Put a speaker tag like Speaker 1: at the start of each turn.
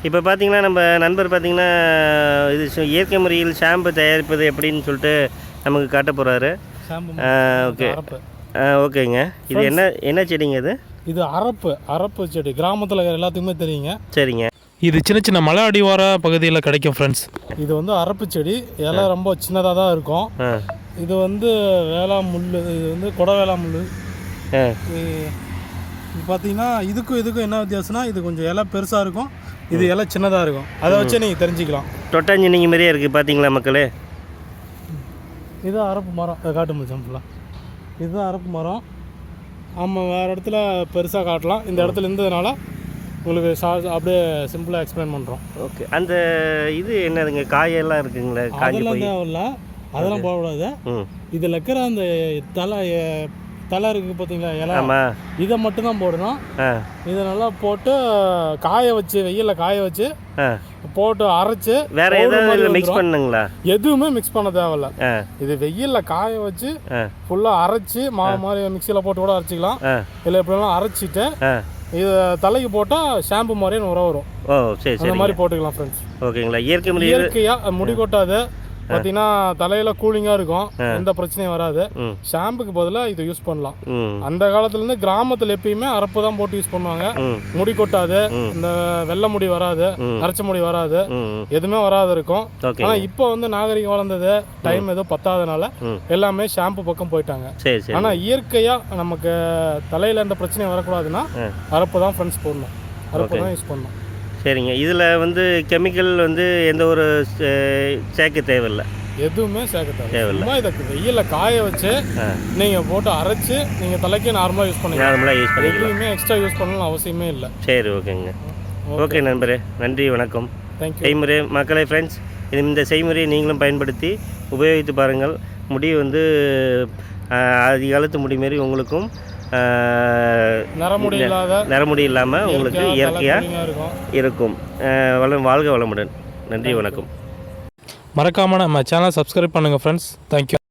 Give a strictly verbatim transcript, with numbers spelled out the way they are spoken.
Speaker 1: இப்போ பார்த்தீங்கன்னா நம்ம நண்பர் பார்த்தீங்கன்னா இது சு- இயற்கை முறையில் ஷாம்பு தயாரிப்பது எப்படின்னு சொல்லிட்டு நமக்கு காட்ட போகிறாரு. ஓகே ஓகேங்க. இது என்ன என்ன செடிங்க இது?
Speaker 2: இது அரப்பு அரப்பு செடி கிராமத்தில் எல்லாத்துக்குமே தெரியுங்க.
Speaker 1: சரிங்க.
Speaker 3: இது சின்ன சின்ன மலை அடிவார பகுதியில் கிடைக்கும் ஃப்ரெண்ட்ஸ்.
Speaker 2: இது வந்து அரப்பு செடி, இலை ரொம்ப சின்னதாக தான் இருக்கும்.
Speaker 1: ஆ
Speaker 2: இது வந்து வேளா முள், இது வந்து கொடை வேளா முள்.
Speaker 1: ஆ
Speaker 2: இது பார்த்தீங்கன்னா இதுக்கும் இதுக்கும் என்ன வித்தியாசம்னா, இது கொஞ்சம் இலை பெருசாக இருக்கும், இது இலை சின்னதாக இருக்கும். அதை வச்சு நீங்கள் தெரிஞ்சுக்கலாம்.
Speaker 1: தொட்டாஞ்சினிங்க மாதிரியே இருக்குது பார்த்தீங்களா மக்களே?
Speaker 2: இதுதான் அரப்பு மரம். அதை காட்டு முடியும் ஃபுல்லாக. இதுதான் அரப்பு மரம். ஆமாம், வேறு இடத்துல பெருசாக காட்டலாம், இந்த இடத்துல இருந்ததுனால உங்களுக்கு சா அப்படியே சிம்பிளாக எக்ஸ்பிளைன் பண்ணுறோம்.
Speaker 1: ஓகே. அந்த இது என்னதுங்க, காயெல்லாம் இருக்குங்களா? காஞ்சி
Speaker 2: அதெல்லாம்
Speaker 1: போய்
Speaker 2: தேவையில்ல, அதெல்லாம் போடக்கூடாது.
Speaker 1: ம்
Speaker 2: இதில் இருக்கிற அந்த தலை தலை இருக்குது பார்த்தீங்களா, இலை,
Speaker 1: ஆமாம்.
Speaker 2: இதை மட்டும்தான் போடணும்.
Speaker 1: ஆ
Speaker 2: இதை நல்லா போட்டு காய வச்சு, வெயிலில் காய வச்சு
Speaker 1: ஆ
Speaker 2: போட்டு அரைச்சி
Speaker 1: வேற ஏதாவது மிக்ஸ் பண்ணுங்களா?
Speaker 2: எதுவுமே மிக்ஸ் பண்ண தேவையில்ல.
Speaker 1: ஆ
Speaker 2: இது வெயிலில் காய வச்சு
Speaker 1: ஆ
Speaker 2: ஃபுல்லாக அரைச்சி மாவு மாதிரி மிக்சியில் போட்டு கூட அரைச்சிக்கலாம்.
Speaker 1: ஆ
Speaker 2: இல்லை எப்படிலாம் அரைச்சிட்டு
Speaker 1: ஆ
Speaker 2: இது தலைக்கு போட்டால் ஷாம்பு மாதிரியே உரம் வரும்.
Speaker 1: ஓ சரி
Speaker 2: அந்த
Speaker 1: சரி
Speaker 2: மாதிரி போட்டுக்கலாம் ஃப்ரெண்ட்ஸ்.
Speaker 1: ஓகேங்களா? இயற்கை முறையில்
Speaker 2: இயற்கையாக முடி கொட்டாது, பார்த்தீங்கன்னா தலையில் கூலிங்காக இருக்கும், எந்த பிரச்சனையும் வராது.
Speaker 1: ம்
Speaker 2: ஷாம்புக்கு பதிலாக இது யூஸ் பண்ணலாம்.
Speaker 1: ம்
Speaker 2: அந்த காலத்துலேருந்து கிராமத்தில் எப்பயுமே அரப்பு தான் போட்டு யூஸ் பண்ணுவாங்க.
Speaker 1: ம்
Speaker 2: முடி கொட்டாது, இந்த வெள்ளை முடி வராது, நரைச்ச முடி வராது,
Speaker 1: ம்
Speaker 2: எதுவுமே வராது இருக்கும்.
Speaker 1: ஓகே.
Speaker 2: ஆனால் இப்போ வந்து நாகரிகம் வளர்ந்தது, டைம் எதுவும் பத்தாதனால
Speaker 1: ம்
Speaker 2: எல்லாமே ஷாம்பு பக்கம் போயிட்டாங்க.
Speaker 1: சரி சரி.
Speaker 2: ஆனால் இயற்கையாக நமக்கு தலையில் எந்த பிரச்சனையும் வரக்கூடாதுன்னா
Speaker 1: ஆ
Speaker 2: அரப்பு தான் ஃப்ரெண்ட்ஸ் போடணும், அரப்பு தான் யூஸ் பண்ணணும்.
Speaker 1: சரிங்க. இதில் வந்து கெமிக்கல் வந்து எந்த ஒரு சே- சேர்க்க தேவையில்லை.
Speaker 2: எதுவுமே சேர்க்க தேவை
Speaker 1: தேவையில்லை.
Speaker 2: சும்மா இதை வெயிலில் காய வச்சு
Speaker 1: ஆ
Speaker 2: நீங்கள் போட்டு அரைச்சி நீங்கள் தலைக்கே நார்மலாக யூஸ் பண்ணிக்கலாம்.
Speaker 1: நார்மலாக யூஸ் பண்ணிக்கலாம்.
Speaker 2: எதுவுமே எக்ஸ்ட்ரா யூஸ் பண்ணணும்னு அவசியமே இல்லை.
Speaker 1: சரி ஓகேங்க. ஓகே நண்பரே, நன்றி வணக்கம்.
Speaker 2: தேங்க்யூ.
Speaker 1: செய்முறை மக்களை ஃப்ரெண்ட்ஸ், இந்த செய்முறையை நீங்களும் பயன்படுத்தி உபயோகித்து பாருங்கள். முடி வந்து அதிக காலத்து முடி மாரி உங்களுக்கும்
Speaker 2: நரமுடி இல்லாத
Speaker 1: நரமுடி இல்லாமல் உங்களுக்கு இயற்கையாக
Speaker 2: இருக்கும்
Speaker 1: இருக்கும். வளம் வாழ்க வளமுடன். நன்றி வணக்கம்.
Speaker 3: மறக்காமல் நம்ம சேனலை சப்ஸ்கிரைப் பண்ணுங்கள் ஃப்ரெண்ட்ஸ். தேங்க்யூ.